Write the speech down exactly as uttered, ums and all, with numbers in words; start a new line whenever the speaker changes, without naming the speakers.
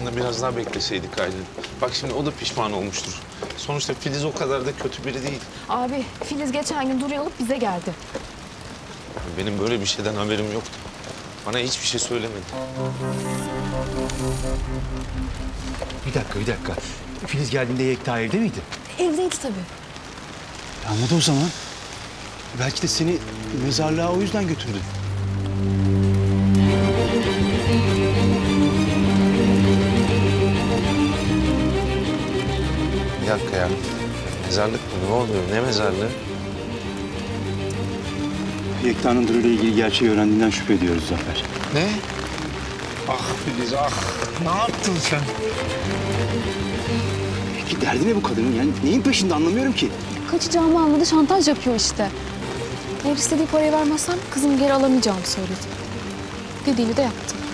da biraz daha bekleseydik Aylin. Bak şimdi o da pişman olmuştur. Sonuçta Filiz o kadar da kötü biri değil.
Abi Filiz geçen gün Duru'yu alıp bize geldi.
Benim böyle bir şeyden haberim yoktu. Bana hiçbir şey söylemedi.
Bir dakika, bir dakika. Filiz geldiğinde Yekta evde miydi?
Evdeydi tabii.
Anladı o zaman. Belki de seni mezarlığa o yüzden götürdü.
Bir dakika ya. Mezarlık mı? Ne oluyor? Ne mezarlığı?
Yekta'nın Duru ile ilgili gerçeği öğrendiğinden şüphe ediyoruz Zafer.
Ne? Ah Filiz ah. Ne yaptın sen?
Peki derdi ne bu kadının? Yani neyin peşinde anlamıyorum ki.
Kaçacağımı anladı, şantaj yapıyor işte. Eğer istediği parayı vermezsem kızımı geri alamayacağımı söyledi. Dediğini de yaptım.